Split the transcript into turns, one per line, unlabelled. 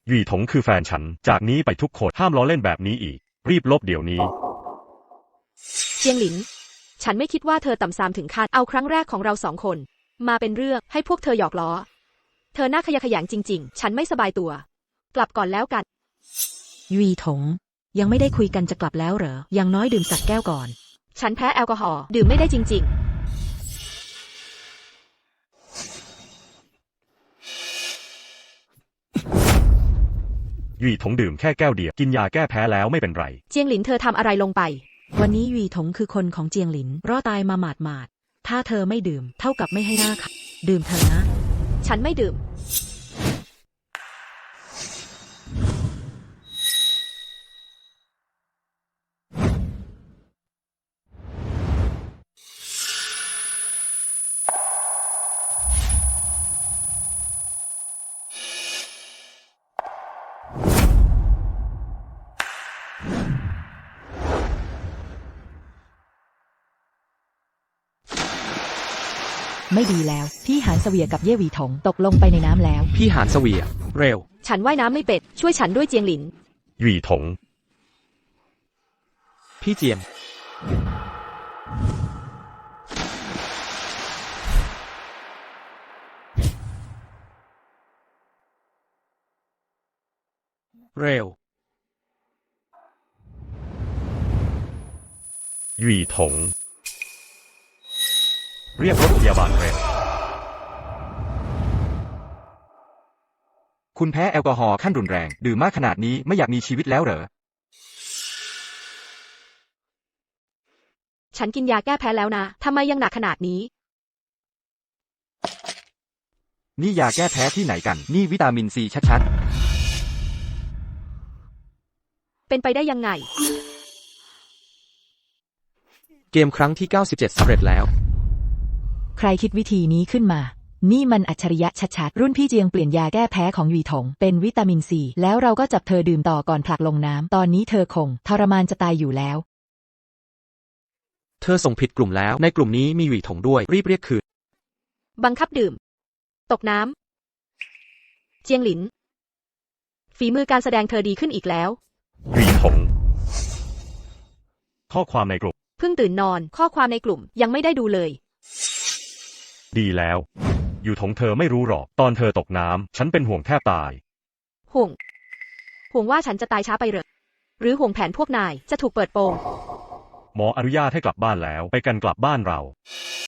หยี่ถงคือแฟนฉันจากนี้ไปทุกคนห้ามล้อเล่นแบบนี้อีกรีบลบเดี๋ยวนี้
เจียงหลินฉันไม่คิดว่าเธอต่ำซามถึงขั้นเอาครั้งแรกของเรา2 คนมาเป็นเรื่องให้พวกเธอหยอกล้อเธอน่าขยะแขยงจริงๆฉันไม่สบายตัวกลับก่อนแล้วกัน
หยี่ถงยังไม่ได้คุยกันจะกลับแล้วเหรออย่างน้อยดื่มสักแก้วก่อน
ฉันแพ้แอลกอฮอล์ดื่มไม่ได้จริง
หยี่ถงดื่มแค่แก้วเดียวกินยาแก้แพ้แล้วไม่เป็นไร
เจียงหลินเธอทำอะไรลงไป
วันนี้หยี่ถงคือคนของเจียงหลินรอดตายมาหมาดๆถ้าเธอไม่ดื่มเท่ากับไม่ให้หน้าค่ะดื่มเถอะนะ
ฉันไม่ดื่ม
ไม่ดีแล้วพี่หานเสวียกับเย่หวีถงตกลงไปในน้ำแล้ว
พี่หานเสวียเร็ว
ฉันว่ายน้ำไม่เป็ดช่วยฉันด้วยเจียงหลิน
หยี่ถง
พี่เจียมเร็ว
หยี่ถงเรียกรถพยาบาลเร็ว
คุณแพ้แอลกอฮอล์ขั้นรุนแรงดื่มมากขนาดนี้ไม่อยากมีชีวิตแล้วเหรอ
ฉันกินยาแก้แพ้แล้วนะทำไมยังหนักขนาดนี้
นี่ยาแก้แพ้ที่ไหนกันนี่วิตามินซีชัด
เป็นไปได้ยังไง
ๆเกมครั้งที่97สำเร็จแล้ว
ใครคิดวิธีนี้ขึ้นมานี่มันอัจฉริยะชัดๆรุ่นพี่เจียงเปลี่ยนยาแก้แพ้ของหยี่ถงเป็นวิตามินซีแล้วเราก็จับเธอดื่มต่อก่อนผลักลงน้ำตอนนี้เธอคงทรมานจะตายอยู่แล้ว
เธอส่งผิดกลุ่มแล้วในกลุ่มนี้มีหวี่ถงด้วยรีบเรียกคืน
บังคับดื่มตกน้ำเจียงหลินฝีมือการแสดงเธอดีขึ้นอีกแล้ว
หยี่ถงข้อความในกลุ่ม
เพิ่งตื่นนอนข้อความในกลุ่มยังไม่ได้ดูเลย
ดีแล้วอยู่ถงเธอไม่รู้หรอกตอนเธอตกน้ำฉันเป็นห่วงแทบตาย
ห่วงว่าฉันจะตายช้าไปเหรอหรือห่วงแผนพวกนายจะถูกเปิดโปง
หมออนุญาตให้กลับบ้านแล้วไปกันกลับบ้านเรา